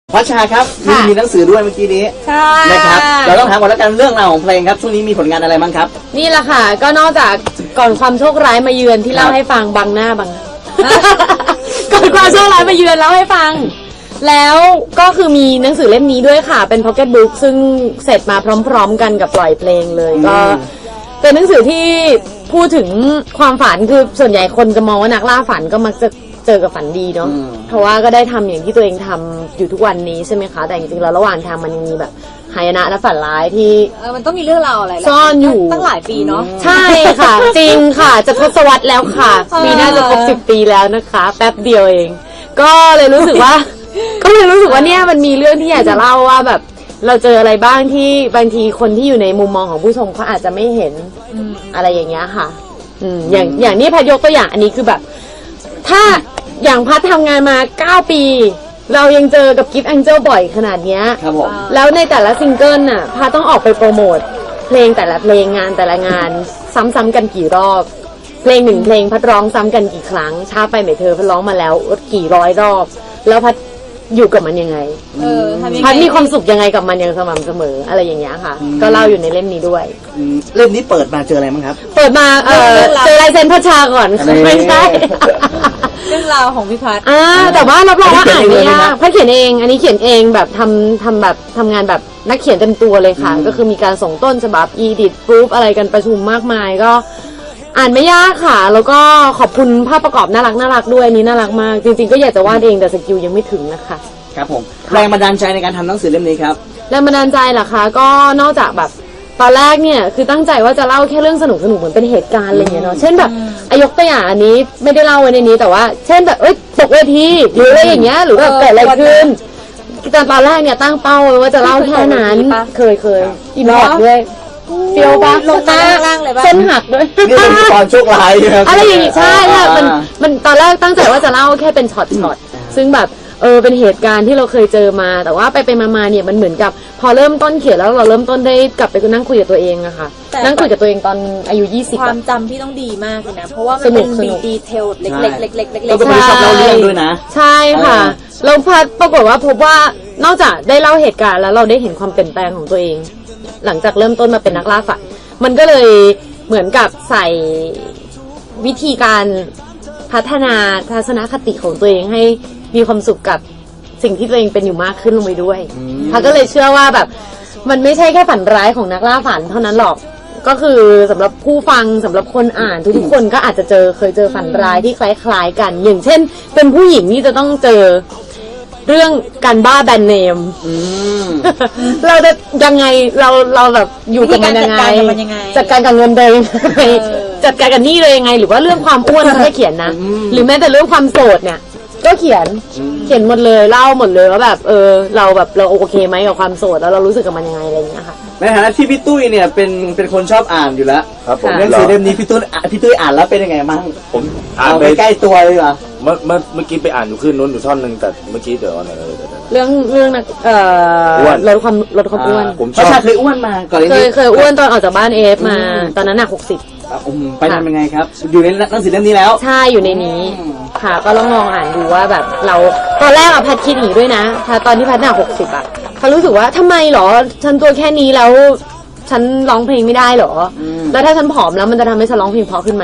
พัชชาครับมีหนังสือด้วยเมื่อกี้นี้ใช่นะครับเราต้องถามก่อนแล้วกันเรื่องราวของเพลงครับช่วงนี้มีผลงานอะไรบ้างครับนี่แหละค่ะก็นอกจากก่อนความโชคร้ายมาเยือนที่เล่าให้ฟังบังหน้าบัง ก่อนความโชคร้ายมาเยือนเล่าให้ฟังแล้วก็คือมีหนังสือเล่มนี้ด้วยค่ะเป็นพ็อกเก็ตบุ๊กซึ่งเสร็จมาพร้อมๆกันกับปล่อยเพลงเลยก็เป็นหนังสือที่พูดถึงความฝันคือส่วนใหญ่คนจะมองว่านักล่าฝันก็มักจะเจอกับฝันดีเนาะเพราะว่าก็ได้ทำอย่างที่ตัวเองทำอยู่ทุกวันนี้ใช่ไหมคะแต่จริงๆแล้วระหว่างทางมันยังมีแบบหายนะและฝันร้ายที่มันต้องมีเรื่องราวอะไรซ่อนอยู่ตั้งหลายปีเนาะใช่ค่ะ จริงค่ะจะทศวรรษแล้วค่ะปีหน้าจะครบ10 ปีแล้วนะคะแป๊บเดียวเองก็เลยรู้สึกว่าเนี่ยมันมีเรื่องที่อยากจะเล่าว่าแบบเราเจออะไรบ้างที่บางทีคนที่อยู่ในมุมมองของผู้ชมเขาอาจจะไม่เห็นอะไรอย่างเงี้ยค่ะอย่างนี้พัดยกตัวอย่างอันนี้คือแบบถ้าอย่างพัดทำงานมา9 ปีเรายังเจอกับกิฟต์แองเจิลบ่อยขนาดเนี้ยแล้วในแต่ละซิงเกิลน่ะพัดต้องออกไปโปรโมทเพลงแต่ละเพลงงานแต่ละงานซ้ำๆกันกี่รอบเพลง1เพลงพัดร้องซ้ำกันกี่ครั้งช้าไปไหมเธอพัดร้องมาแล้วกี่ร้อยรอบแล้วพัดอยู่กับมันยังไงพัดมีความสุขยังไงกับมันอย่างสม่ำเสมออะไรอย่างเงี้ยค่ะก็เล่าอยู่ในเล่มนี้ด้วยเล่มนี้เปิดมาเจออะไรบ้างครับเปิดมาเจอลายเซ็นพัชชาก่อนไม่ใช่เรื่องราวของพี่พัดแต่ว่ารับรองว่าอ่านไม่ยากพัดเขียนเองอันนี้เขียนเองแบบทำงานแบบนักเขียนเต็มตัวเลยค่ะก็คือมีการส่งต้นฉบับอีดิทปรูฟอะไรกันประชุมมากมายก็อ่านไม่ยากค่ะแล้วก็ขอบคุณภาพประกอบน่ารักด้วยนี้น่ารักมากจริงๆก็อยากจะวาดเองแต่สกิลยังไม่ถึงนะคะครับผมแรงบันดาลใจในการทำหนังสือเล่มนี้ครับแรงบันดาลใจเหรอคะก็นอกจากแบบตอนแรกเนี่ยคือตั้งใจว่าจะเล่าแค่เรื่องสนุกเหมือนเป็นเหตุการณ์อะไรอย่างเงี้ยเนาะเช่นแบบยกตัวอย่างอันนี้ไม่ได้เล่าไว้ในนี้แต่ว่าเช่นแบบตกเวทีหรืออะไรอย่างเงี้ยหรือแบบเกิดอะไรขึ้นแต่ตอนแรกเนี่ยตั้งเป้าไว้ว่าจะเล่าแค่นั้นเคยอินพอร์ตด้วยเฟียวปะลงล่างเลยปะเส้นหักด้วยนี่เป็นตอนโชคร้ายอะไรอย่างงี้ใช่ค่ะมันตอนแรกตั้งใจว่าจะเล่าแค่เป็นช็อตซึ่งแบบเป็นเหตุการณ์ที่เราเคยเจอมาแต่ว่าไปมาเนี่ยมันเหมือนกับพอเริ่มต้นเขียนแล้วเราเริ่มต้นได้กลับไปนั่งคุยกับตัวเองอะค่ะนั่งคุยกับตัวเองตอนอายุ20 ความจำที่ต้องดีมากเลยนะเพราะว่ามันเป็นดีเทลเล็กๆเราก็ไม่ชอบเล่าเรื่องด้วยนะใช่ค่ะเราปรากฏว่าพบว่านอกจากได้เล่าเหตุการณ์แล้วเราได้เห็นความเปลี่ยนแปลงของตัวเองหลังจากเริ่มต้นมาเป็นนักล่าฝันมันก็เลยเหมือนกับใส่วิธีการพัฒนาทัศนคติของตัวเองให้มีความสุขกับสิ่งที่ตัวเองเป็นอยู่มากขึ้นลงไปด้วยพัดก็เลยเชื่อว่าแบบมันไม่ใช่แค่ฝันร้ายของนักล่าฝันเท่านั้นหรอกก็คือสำหรับผู้ฟังสำหรับคนอ่านทุกคนก็อาจจะเคยเจอฝันร้ายที่คล้ายๆกันอย่างเช่นเป็นผู้หญิงนี่จะต้องเจอเรื่องการบ้าแบรนด์เนมเราจะยังไงเราแบบอยู่กับมันยังไงจัดการกับเงินเลยจัดการกับหนี้เลยยังไงหรือว่าเรื่องความอ้วนเขาจะเขียนนะหรือแม้แต่เรื่องความโสดเนี่ยก็เขียนหมดเลยเล่าหมดเลยว่าแบบเราโอเคไหมกับความโสดแล้วเรารู้สึกกับมันยังไงอะไรอย่างเงี้ยค่ะในฐานะที่พี่ตุ้ยเนี่ยเป็นคนชอบอ่านอยู่แล้วครับผมหนังสือเล่มนี้พี่ตุ้ยอ่านแล้วเป็นยังไงบ้างผมอ่านไปใกล้ตัวเลยเหรอเมื่อกี้ไปอ่านอยู่ขึ้นนู้นอยู่ท่อนหนึ่งแต่เมื่อกี้เดี๋ยวเรื่องลดความอ้วนผมชอบเคยอ้วนมาก่อนเคยอ้วนตอนออกจากบ้านมาตอนนั้นหนัก60 ไปทำยังไงครับอยู่ในหนังสือเล่มนี้แล้วใช่อยู่ในนี้ค่ะก็ลองอ่านดูว่าแบบเราตอนแรกพัดคิดหนีด้วยนะตอนที่พัดหนัก60พัดรู้สึกว่าทำไมหรอฉันตัวแค่นี้แล้วฉันร้องเพลงไม่ได้หรอแล้วถ้าฉันผอมแล้วมันจะทำให้ฉันร้องเพลงเพราะขึ้นไหม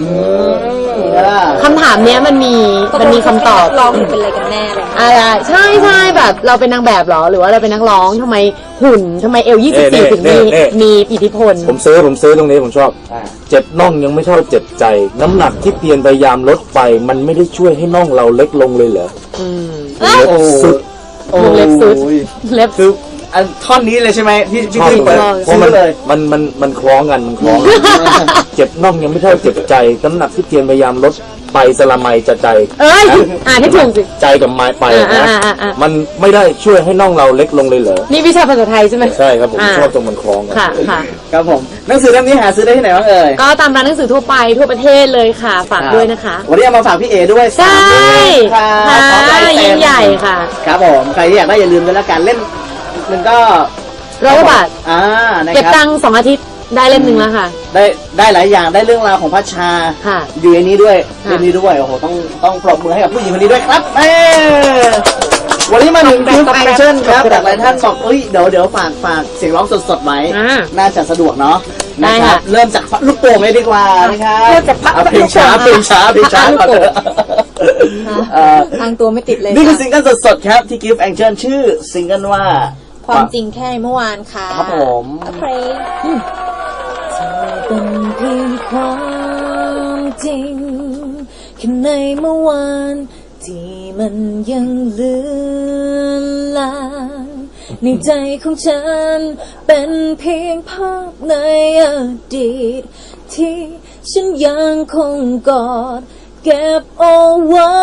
คำถามเนี้ยมันมีคำตอบร้องเป็นอะไรกันแน่เลยใช่แบบเราเป็นนางแบบหรอหรือว่าเราเป็นนักร้องทำไมหุ่นทำไมเอว24ถึงมีอิทธิพลผมซื้อตรงนี้ผมชอบเจ็บน่องยังไม่เท่าเจ็บใจน้ำหนักที่เพียรพยายามลดไปมันไม่ได้ช่วยให้น่องเราเล็กลงเลยเหรอเล็บสุดเล็บสุดอันท่อนนี้เลยใช่ไหมพี่เปิดซื้อเลยมันคล้องกันเจ็บน่องยังไม่เท่าเจ็บใจน้ำหนักที่เพียรพยายามลดไปสละไมจะใจอ่านให้ถูกสิใจกับไม้ไปนะมันไม่ได้ช่วยให้น่องเราเล็กลงเลยเหรอนี่วิชาภาษาไทยใช่ไหมใช่ครับผมชอบตรงมันคล้องกันค่ะครับผมหนังสือเล่มนี้หาซื้อได้ที่ไหนบ้างเอ่ยก็ตามร้านหนังสือทั่วไปทั่วประเทศเลยค่ะฝากด้วยนะคะวันนี้เอามาฝากพี่เอด้วยใช่ค่ะยิ่งใหญ่ค่ะครับผมใครที่อยากได้อย่าลืมด้วยละกันเล่มมันก็ 100 บาทเก็บตังค์2 อาทิตย์ได้เล่มหนึ่งแล้วค่ะได้หลายอย่างได้เรื่องราวของพัชชาอยู่ในนี้ด้วยเล่มนี้ด้วยโอ้โหต้องปรบมือให้กับผู้หญิงคนนี้ด้วยครับวันนี้มาถึงคลิปแอคชั่นครับแต่หลายท่านบอกเอ้ยเดี๋ยวฝากเสียงร้องสดๆไว้น่าจะสะดวกเนาะนะครับเริ่มจากลูกโป่งเลยดีกว่านะครับเริ่มจากเพลงช้าก่อนเถอะทางตัวไม่ติดเลยนี่คือซิงเกิลสดๆครับที่ Gift Action ชื่อซิงเกิลว่าความจริงแค่เมื่อวานค่ะครับผมเพลงเธอเป็นเพียงความจริงแค่ในเมื่อวานที่มันยังเลือนลางในใจของฉันเป็นเพียงภาพในอดีตที่ฉันยังคงกอดเก็บเอาไว้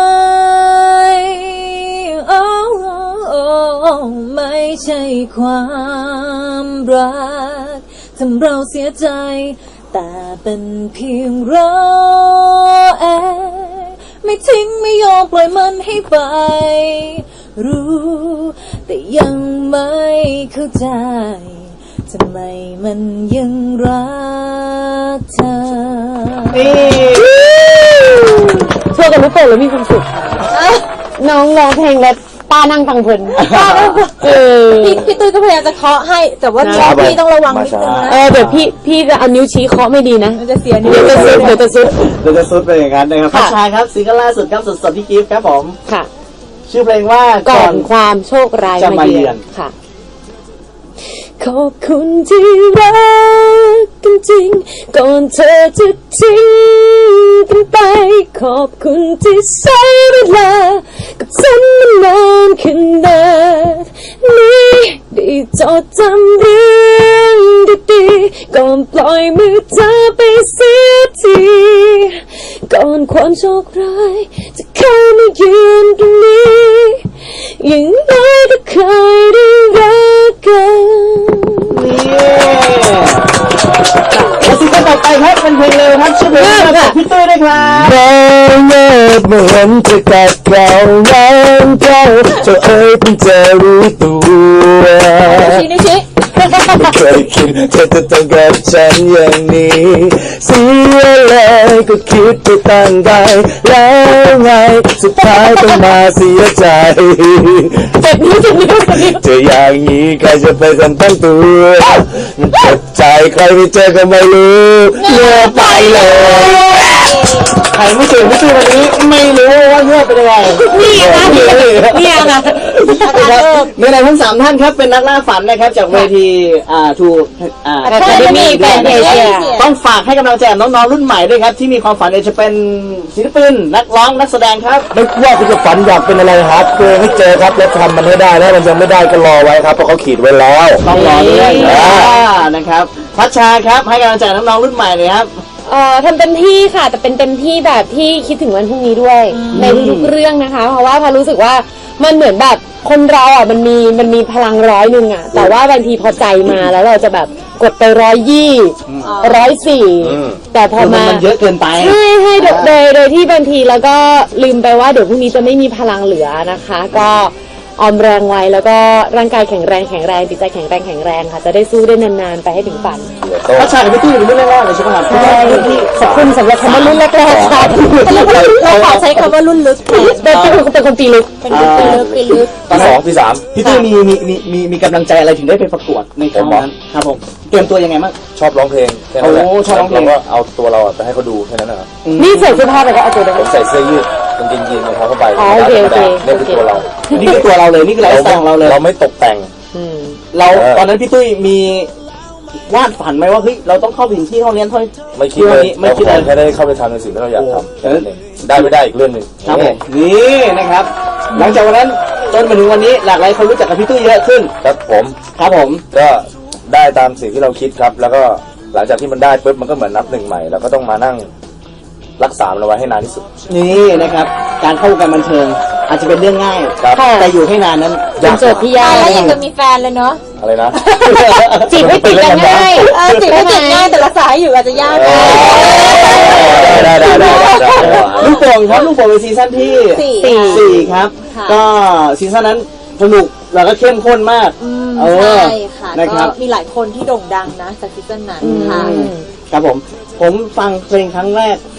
ไม่ใช่ความรักทำเราเสียใจแต่เป็นเพียงรอแอไม่ทิ้งไม่ยอมปล่อยมันให้ไปรู้แต่ยังไม่เข้าใจทำไมมันยังรักเธอช่วยกันลูกโป่งแล้วมีความสุขน้องร้องเพลงแล้วป้านั่งฟังเพลินพี่ตุ้ยก็พยายามจะเคาะให้แต่ว่าพี่ต้องระวังนิดนึงนะเดี๋ยวพี่จะเอานิ้วชี้เคาะไม่ดีนะมันจะเสียนิ้วเดี๋ยวจะซุดไปอย่างนั้นนะครับพัชชาครับซิงเกิลล่าสุดครับสดๆที่กิฟต์ครับผมค่ะชื่อเพลงว่าก่อนความโชคร้ายมาเยือนค่ะขอบคุณที่รักกันจริงก่อนเธอจะทิ้งกันไปขอบคุณที่ใช้เวลากับฉันมานานขนาดนี้ได้จดจำเรื่องดีๆก่อนปล่อยมือเธอไปเสียทีก่อนความโชคร้ายจะเข้ามาเยือนตรงนี้อย่างน้อยก็เคยได้รักกันและซิงเกิลต่อไปครับเป็นเพลงเร็วครับชื่อเพลงว่าพี่ตุ้ยด้วยครับมองเงียบเหมือนจะกัดเก่าวันเก่าจะเอ่ยเพิ่งจะรู้ตัวชี้ไม่เคยคิดเธอจะต้องกับฉันอย่างนี้เสียเลยก็คิดไปตั้งใจแล้วไงสุดท้ายต้องมาเสียใจจะอย่างนี้ใครจะไปทันตั้งตัวมันเจ็บใจใครไม่เจอก็ไม่รู้เลือกไปเลยใครไม่เจอพี่ตุ้ยวันนี้ไม่รู้ว่าเลือกเป็นยังไงนี่นะในในทั้ง3ท่านครับเป็นนักล่าฝันนะครับจากเวที Academy Fantasia ต้องฝากให้กำลังใจน้องๆรุ่นใหม่ด้วยครับที่มีความฝันจะเป็นศิลปินนักร้องนักแสดงครับไม่ว่าคุณจะฝันอยากเป็นอะไรครับเจอให้เจอครับแล้วทำมันให้ได้แล้วมันยังไม่ได้ก็รอไว้ครับเพราะเขาขีดไว้แล้วต้องรอด้วยนะครับพัชชาครับให้กำลังใจน้องๆรุ่นใหม่เลยครับทำเต็มที่ค่ะแต่เป็นเต็มที่แบบที่คิดถึงวันพรุ่งนี้ด้วยในทุกเรื่องนะคะเพราะว่าพารู้สึกว่ามันเหมือนแบบคนเราอ่ะมันมีพลัง100อ่ะแต่ว่าบางทีพอใจมาแล้วเราจะแบบกดไป120 104แต่พอมามันเยอะเกินไปให้โดยที่บางทีแล้วก็ลืมไปว่าเดี๋ยวพรุ่งนี้จะไม่มีพลังเหลือนะคะก็ออมแรงไว้แล้วก็ร่างกายแข็งแรงจิตใจแข็งแรงค่ะจะได้สู้ได้นานๆไปให้ถึงฝันพัชชากับพี่ตุ้ยรุ่นแรกๆเลยใช่ไหมครับใช่ขอบคุณสำหรับคำว่ารุ่นแรกๆค่ะเราขอใช้คำว่ารุ่นลึกเป็นคนปีลึกเป็นปีลึกปี2 ปี 3 พี่ตุ้ยมีกำลังใจอะไรถึงได้ไปประกวดในครั้งนั้นครับผมเตรียมตัวยังไงบ้างชอบร้องเพลงแค่นั้นแหละชอบร้องเพลงก็เอาตัวเราไปให้เขาดูแค่นั้นนะครับนี่ใส่เสื้อผ้าแต่ก็เอาตัวผมใส่เสื้อยืดกางเกงยีนรองเท้าผ้าใบโอเคนี่คือตัวเรานี่คือตัวเราเลยนี่คือไลฟ์สไตล์ของเราเลยเราไม่ตกแต่งเราตอนนั้นพี่ตุ้ยมีวาดฝันไหมว่าเฮ้ยเราต้องเข้าถึงที่ห้องเรียนไม่คิดเลยไม่คิดเลยแค่ได้เข้าไปทำในสิ่งที่เราอยากทำได้ไม่ได้อีกเรื่องหนึ่งครับผมนี่นะครับหลังจากวันนั้นจนมาถึงวันนี้หลากหลายคนรู้จักกับพี่ตุ้ยเยอะขึ้นครับผมก็ได้ตามสิ่งที่เราคิดครับแล้วก็หลังจากที่มันได้ปุ๊บมันก็เหมือนนับหนึ่งใหม่เราก็ต้องมานั่งรักษามันเอาไว้ให้นานที่สุดนี่นะครับการเข้าวงการบันเทิงอาจจะเป็นเรื่องง่ายแต่อยู่ให้นานนั้นเป็นโจทย์ที่ยากแล้วยังจะมีแฟนเลยเนาะอะไรนะจีบไม่ติดกันง่ายจีบไม่ติดง่ายแต่รักษาอยู่อาจจะยากได้ลูกโป่งครับลูกโป่งเป็นซีซั่นที่4ครับก็ซีซั่นนั้นสนุกแล้วก็เข้มข้นมากใช่ค่ะก็มีหลายคนที่โด่งดังนะจากซีซั่นนั้นค่ะครับผมฟังเพลงครั้งแรก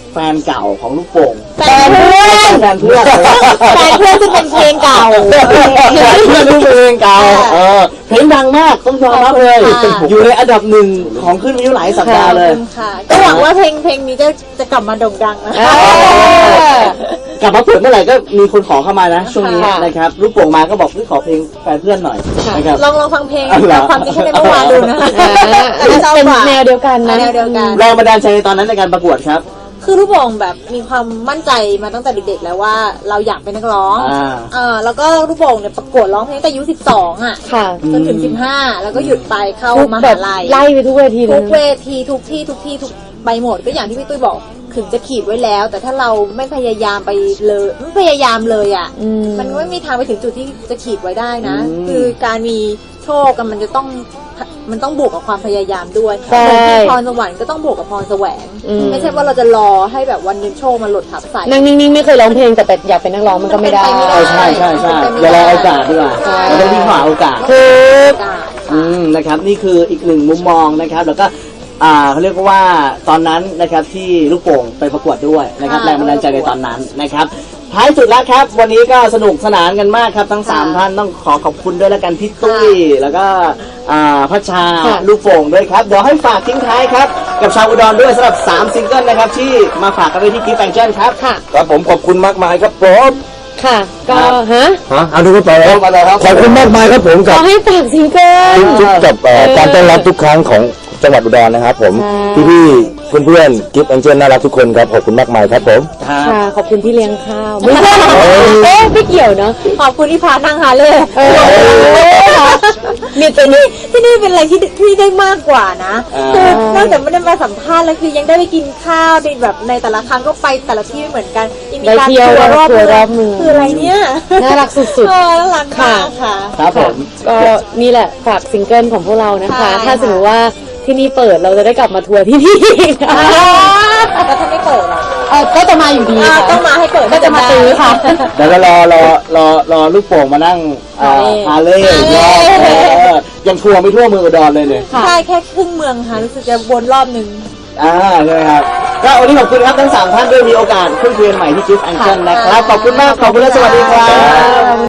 แฟนเก่าของลูกโป่งแฟนเพื่อนแฟนเพื่อนแฟนเพื่อนซึ่งเป็นเพลงเก่าเพื่อนลูกเพลงเก่าเพลงดังมากต้องยอมรับเลย อยู่ในอันดับหนึ่งของขึ้นวิวหลายสัปดาห์เลยค่ะก็หวังว่าเพลงนี้จะกลับมาโด่งดังนะกลับมาเปิดเมื่อไหร่ก็มีคนขอเข้ามานะช่วงนี้ค่ะนะครับลูกโป่งมาก็บอกขอเพลงแฟนเพื่อนหน่อยนะครับลองฟังเพลงอ๋อเหรอความจริงแค่ในเมื่อวานดูนะเป็นแนวเดียวกันนะแนวเดียวกันแรงบันดาลใจในตอนนั้นในการประกวดครับคือลูกโป่งแบบมีความมั่นใจมาตั้งแต่เด็กๆแล้วว่าเราอยากเป็นนักร้อง แล้วก็ลูกโป่งเนี่ยประกวดร้องเพลงตั้งแต่อายุ12อ่ะค่ะจนถึง15แล้วก็หยุดไปเข้ามหาลัยไล่ไปทุกเวทีเลทุยกเวทีทุกที่ทุกไปหมดก็อย่างที่พี่ตุ้ยบอกถึงจะขีดไว้แล้ว แต่ถ้าเราไม่พยายามไปเลยไม่พยายามเลยอ่ะ มันไม่มีทางไปถึงจุดที่จะขีดไว้ได้นะ คือการมีโชคกันมันต้องบวกกับความพยายามด้วยใช่เหมือนที่พรสวรรค์ก็ต้องบวกกับพรแสวง ไม่ใช่ว่าเราจะรอให้แบบวันหนึงโชคมันหล่นทับใส่นั่งนิ่งๆไม่เคยร้องเพลงแต่อยากเป็นนักร้องมันก็ไม่ได้ใช่อย่ารอโอกาสดีกว่าเราต้องวิ่งหาโอกาสคือนะครับนี่คืออีกหนึ่งมุมมองนะครับแล้วก็เขาเรียกว่าตอนนั้นนะครับที่ลูกโป่งไปประกวดด้วยนะครับแรงบันดาลใจในตอนนั้นนะครับท้ายสุดแล้วครับวันนี้ก็สนุกสนานกันมากครับทั้ง3ท่านต้องขอบคุณด้วยแล้วกันพี่ตุ้ยแล้วก็พัชชาลูกโป่งด้วยครับเดี๋ยวให้ฝากทิ้งท้ายครับกับชาวอุดรด้วยสำหรับ3ซิงเกิลนะครับที่มาฝากกันไว้ที่กิฟต์แฟงชั่นครับครับผมขอบคุณมากมายครับผมค่ะ ก็เอาดูกันต่อแล้วขอบคุณมากมายครับผมขกับอให้ฝากซิงเกิลทุกกับการต้อนรับทุกครั้งของจังหวัดอุดรนะครับผมใช่พี่ๆเพื่อนๆกิฟต์แองเจิลน่ารักทุกคนครับขอบคุณมากมายครับผมค่ะขอบคุณที่เลี้ยงข้าวไม่ใช่ไม่เกี่ยวเนาะขอบคุณที่พานั่งหาเลยมีตัวนี้ที่นี่เป็นอะไรที่ได้มากกว่านะคือนอกจากไม่ได้มาสัมภาษณ์แล้วคือยังได้ไปกินข้าวในแบบในแต่ละครั้งก็ไปแต่ละที่ไม่เหมือนกันยังมีการไปเที่ยวทัวร์รอบทัวร์รอบเมืองคืออะไรเนี่ยน่ารักสุดๆน่ารักมากค่ะครับผมก็นี่แหละฝากซิงเกิลของพวกเรานะคะใช่ถ้าสมมติว่าที่นี่เปิดเราจะได้กลับมาทัวร์ที่นี่แล้วถ้าไม่เปิดอ่ะก็จะมาอยู่ดีค่ะต้องมาให้เปิดก็จะมาซื้อค่ะเดี๋ยวเรารอลูกโป่งมานั่งฮาเล่ยังทัวร์ไม่ทั่วเมืองอุดรเลยเนี่ยใช่แค่ครึ่งเมืองค่ะรู้สึกจะวนรอบนึงใช่ไหมครับก็วันนี้ขอบคุณครับทั้ง3ท่านด้วยมีโอกาสคุยกันใหม่ที่กิฟต์แองเจิลนะครับขอบคุณมากขอบคุณและสวัสดีครับ